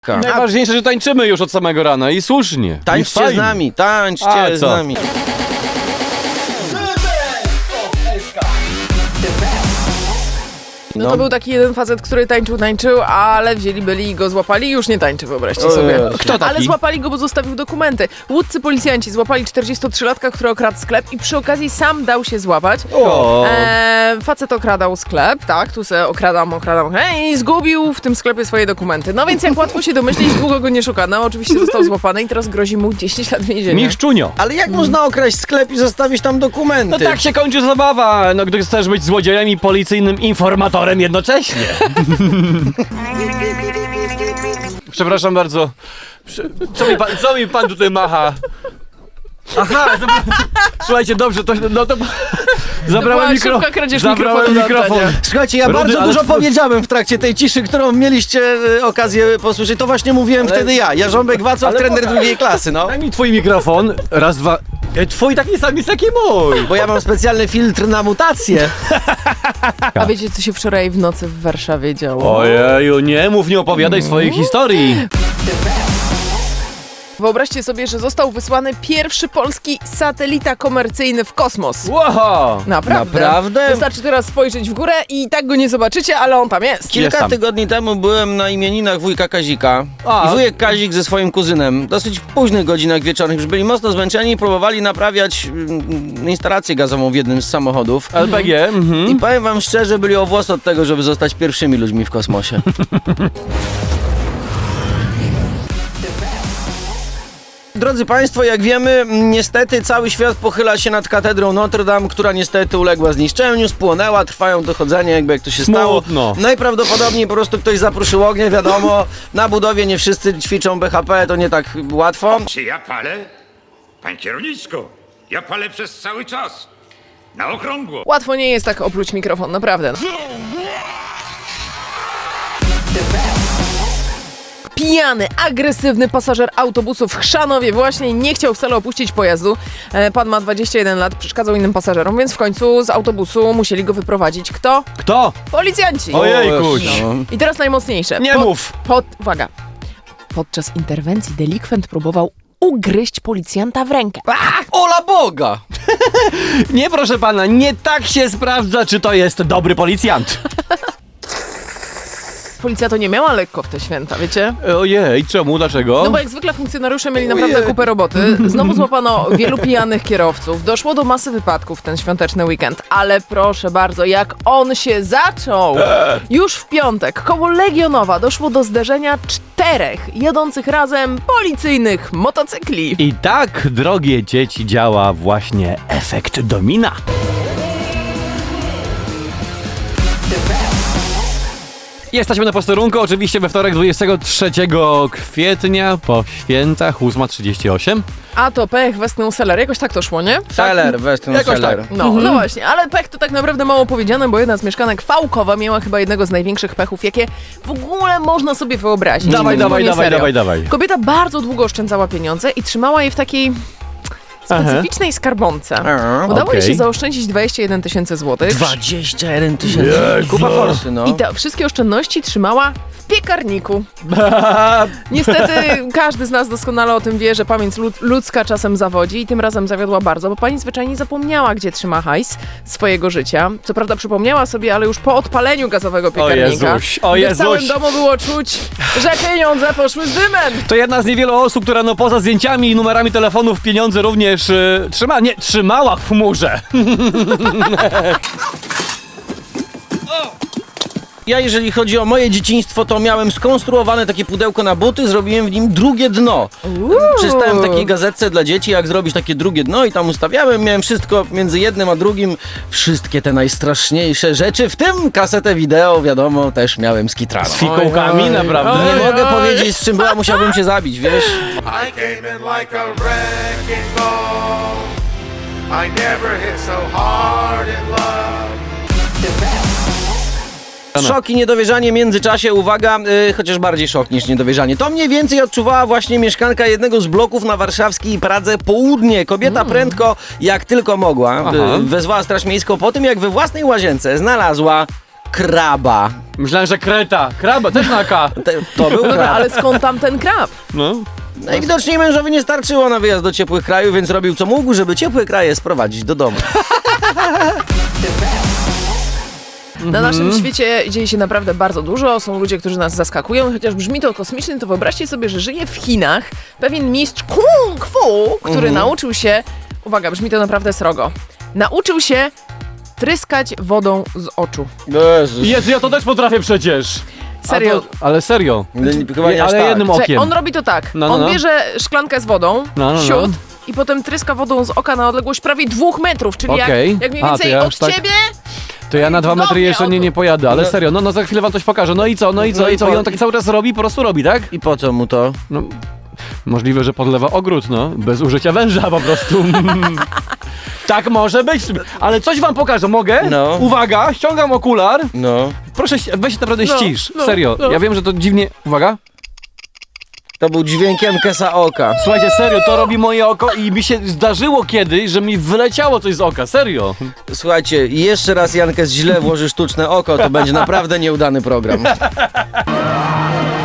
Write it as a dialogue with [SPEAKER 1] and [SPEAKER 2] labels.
[SPEAKER 1] Najważniejsze, że tańczymy już od samego rana i słusznie.
[SPEAKER 2] Tańczcie z nami, tańczcie z nami.
[SPEAKER 3] No to był taki jeden facet, który tańczył, ale byli i go złapali i już nie tańczy, wyobraźcie sobie.
[SPEAKER 1] Kto taki?
[SPEAKER 3] Ale złapali go, bo zostawił dokumenty. Łódzcy policjanci złapali 43-latka, który okradł sklep i przy okazji sam dał się złapać. Facet okradał sklep, tak, tu se okradam i zgubił w tym sklepie swoje dokumenty. No więc jak łatwo się domyślić, długo go nie szukano. Oczywiście został złapany i teraz grozi mu 10 lat więzienia.
[SPEAKER 1] Miszczunio.
[SPEAKER 2] Ale jak można okraść sklep i zostawić tam dokumenty?
[SPEAKER 1] No tak się kończy zabawa, no gdy chcesz być złodziejem i policyjnym informatorem jednocześnie. Przepraszam bardzo. Co mi pan tutaj macha? Aha, słuchajcie, dobrze, to zabrałem
[SPEAKER 3] szybka kradzież mikrofonu do oddania.
[SPEAKER 2] Słuchajcie, ja bardzo dużo powiedziałem w trakcie tej ciszy, którą mieliście okazję posłyszeć. To właśnie mówiłem wtedy ja, Jarząbek Wacław, trener drugiej klasy, no.
[SPEAKER 1] Daj mi twój mikrofon, raz, dwa. Twój taki sam jest jak i mój.
[SPEAKER 2] Bo ja mam specjalny filtr na mutację.
[SPEAKER 3] A wiecie, co się wczoraj w nocy w Warszawie działo?
[SPEAKER 1] Ojeju, nie opowiadaj swojej historii.
[SPEAKER 3] Wyobraźcie sobie, że został wysłany pierwszy polski satelita komercyjny w kosmos.
[SPEAKER 1] Wow.
[SPEAKER 2] Naprawdę?
[SPEAKER 3] Wystarczy teraz spojrzeć w górę i tak go nie zobaczycie, ale on tam jest.
[SPEAKER 2] Kilka tygodni temu byłem na imieninach wujka Kazika.
[SPEAKER 1] A.
[SPEAKER 2] I wujek Kazik ze swoim kuzynem, dosyć w późnych godzinach wieczornych, już byli mocno zmęczeni i próbowali naprawiać instalację gazową w jednym z samochodów.
[SPEAKER 1] LPG,
[SPEAKER 2] I powiem wam szczerze, byli o włos od tego, żeby zostać pierwszymi ludźmi w kosmosie. Drodzy Państwo, jak wiemy, niestety cały świat pochyla się nad katedrą Notre Dame, która niestety uległa zniszczeniu, spłonęła, trwają dochodzenia, jak to się stało.
[SPEAKER 1] Smutno.
[SPEAKER 2] Najprawdopodobniej po prostu ktoś zapruszył ognie, wiadomo. Na budowie nie wszyscy ćwiczą BHP, to nie tak łatwo.
[SPEAKER 4] Czy ja palę? Pan kierowniczko, ja palę przez cały czas. Na okrągło.
[SPEAKER 3] Łatwo nie jest tak opluć mikrofon, naprawdę. Pijany, agresywny pasażer autobusu w Chrzanowie właśnie nie chciał wcale opuścić pojazdu. Pan ma 21 lat, przeszkadzał innym pasażerom, więc w końcu z autobusu musieli go wyprowadzić. Kto?
[SPEAKER 1] Kto?
[SPEAKER 3] Policjanci!
[SPEAKER 1] Ojejkuś.
[SPEAKER 2] No.
[SPEAKER 3] I teraz najmocniejsze.
[SPEAKER 1] Nie mów.
[SPEAKER 3] Uwaga. Podczas interwencji delikwent próbował ugryźć policjanta w rękę.
[SPEAKER 2] Ola Boga!
[SPEAKER 1] Nie, proszę pana, nie tak się sprawdza, czy to jest dobry policjant.
[SPEAKER 3] Policja to nie miała lekko w te święta, wiecie?
[SPEAKER 1] Ojej, czemu? Dlaczego?
[SPEAKER 3] No bo jak zwykle funkcjonariusze mieli naprawdę kupę roboty. Znowu złapano wielu pijanych kierowców. Doszło do masy wypadków w ten świąteczny weekend. Ale proszę bardzo, jak on się zaczął! Już w piątek koło Legionowa doszło do zderzenia 4 jadących razem policyjnych motocykli.
[SPEAKER 1] I tak, drogie dzieci, działa właśnie efekt domina. Jesteśmy na posterunku, oczywiście we wtorek 23 kwietnia po świętach, 8:38.
[SPEAKER 3] A to pech, Westną Seller. Jakoś tak to szło, nie?
[SPEAKER 2] Seller, Western
[SPEAKER 1] Jakoś
[SPEAKER 2] Seller.
[SPEAKER 1] tak.
[SPEAKER 3] No właśnie, ale pech to tak naprawdę mało powiedziane, bo jedna z mieszkanek Fałkowa miała chyba jednego z największych pechów, jakie w ogóle można sobie wyobrazić.
[SPEAKER 1] Dawaj,
[SPEAKER 3] Zupełnie serio.
[SPEAKER 1] dawaj.
[SPEAKER 3] Kobieta bardzo długo oszczędzała pieniądze i trzymała je w takiej specyficznej skarbonce. Udało jej się zaoszczędzić 21 000 złotych.
[SPEAKER 2] 21 000. Kupa forsy, no.
[SPEAKER 3] I te wszystkie oszczędności trzymała w piekarniku. Niestety każdy z nas doskonale o tym wie, że pamięć ludzka czasem zawodzi i tym razem zawiodła bardzo, bo pani zwyczajnie zapomniała, gdzie trzyma hajs swojego życia. Co prawda przypomniała sobie, ale już po odpaleniu gazowego piekarnika.
[SPEAKER 1] O
[SPEAKER 3] gdy w całym
[SPEAKER 1] Jezuś.
[SPEAKER 3] domu było czuć, że pieniądze poszły z dymem.
[SPEAKER 1] To jedna z niewielu osób, która no poza zdjęciami i numerami telefonów pieniądze również trzymała w chmurze.
[SPEAKER 2] Ja, jeżeli chodzi o moje dzieciństwo, to miałem skonstruowane takie pudełko na buty, zrobiłem w nim drugie dno. Przeczytałem w takiej gazetce dla dzieci, jak zrobić takie drugie dno i tam ustawiałem, miałem wszystko między jednym a drugim, wszystkie te najstraszniejsze rzeczy, w tym kasetę wideo, wiadomo, też miałem z Kitrano.
[SPEAKER 1] Z fikołkami, naprawdę.
[SPEAKER 2] Nie mogę powiedzieć, z czym była, musiałbym cię zabić, wiesz?
[SPEAKER 5] I came in like a wrecking ball. I never hit so hard in love.
[SPEAKER 2] Szok i niedowierzanie w międzyczasie, uwaga, chociaż bardziej szok niż niedowierzanie. To mniej więcej odczuwała właśnie mieszkanka jednego z bloków na warszawskiej Pradze Południe. Kobieta prędko, jak tylko mogła, wezwała straż miejską po tym, jak we własnej łazience znalazła kraba.
[SPEAKER 1] Myślałem, że kreta. Kraba, też na K.
[SPEAKER 2] To był
[SPEAKER 3] No dobra,
[SPEAKER 2] krab.
[SPEAKER 3] ale skąd tam ten krab?
[SPEAKER 1] No.
[SPEAKER 2] Najwidoczniej mężowi nie starczyło na wyjazd do ciepłych krajów, więc robił co mógł, żeby ciepłe kraje sprowadzić do domu.
[SPEAKER 3] Na naszym świecie dzieje się naprawdę bardzo dużo, są ludzie, którzy nas zaskakują, chociaż brzmi to kosmicznie, to wyobraźcie sobie, że żyje w Chinach pewien mistrz kung fu, który nauczył się, uwaga, brzmi to naprawdę srogo, nauczył się tryskać wodą z oczu.
[SPEAKER 2] Jezus.
[SPEAKER 1] Jezu, ja to też potrafię przecież.
[SPEAKER 3] Serio.
[SPEAKER 1] A to, ale serio.
[SPEAKER 2] Chyba nie aż
[SPEAKER 1] Ale
[SPEAKER 2] tak.
[SPEAKER 1] jednym
[SPEAKER 3] Słuchaj,
[SPEAKER 1] okiem.
[SPEAKER 3] on robi to tak,
[SPEAKER 1] No, no,
[SPEAKER 3] on
[SPEAKER 1] no.
[SPEAKER 3] bierze szklankę z wodą,
[SPEAKER 1] No, no, no.
[SPEAKER 3] siód i potem tryska wodą z oka na odległość prawie 2 metrów, czyli
[SPEAKER 1] Okej.
[SPEAKER 3] jak mniej
[SPEAKER 1] A, to
[SPEAKER 3] więcej
[SPEAKER 1] ja
[SPEAKER 3] od
[SPEAKER 1] już tak-
[SPEAKER 3] ciebie.
[SPEAKER 1] To ja na 2 metry
[SPEAKER 3] Cudownie,
[SPEAKER 1] jeszcze nie pojadę, ale serio, no za chwilę wam coś pokażę. No i co, no i co,
[SPEAKER 2] No i
[SPEAKER 1] i co? I
[SPEAKER 2] po-
[SPEAKER 1] on tak cały czas robi, po prostu robi, tak?
[SPEAKER 2] I po co mu to?
[SPEAKER 1] No, możliwe, że podlewa ogród, no, bez użycia węża po prostu. Tak może być, ale coś wam pokażę, mogę?
[SPEAKER 2] No.
[SPEAKER 1] Uwaga, ściągam okular.
[SPEAKER 2] No.
[SPEAKER 1] Proszę, weź się naprawdę
[SPEAKER 3] No,
[SPEAKER 1] ścisz,
[SPEAKER 3] no,
[SPEAKER 1] serio.
[SPEAKER 3] no.
[SPEAKER 1] Ja wiem, że to dziwnie... Uwaga.
[SPEAKER 2] To był dźwięk Jankesa oka.
[SPEAKER 1] Słuchajcie, serio, to robi moje oko i mi się zdarzyło kiedyś, że mi wyleciało coś z oka, serio.
[SPEAKER 2] Słuchajcie, jeszcze raz Jankes źle włoży sztuczne oko, to będzie naprawdę nieudany program.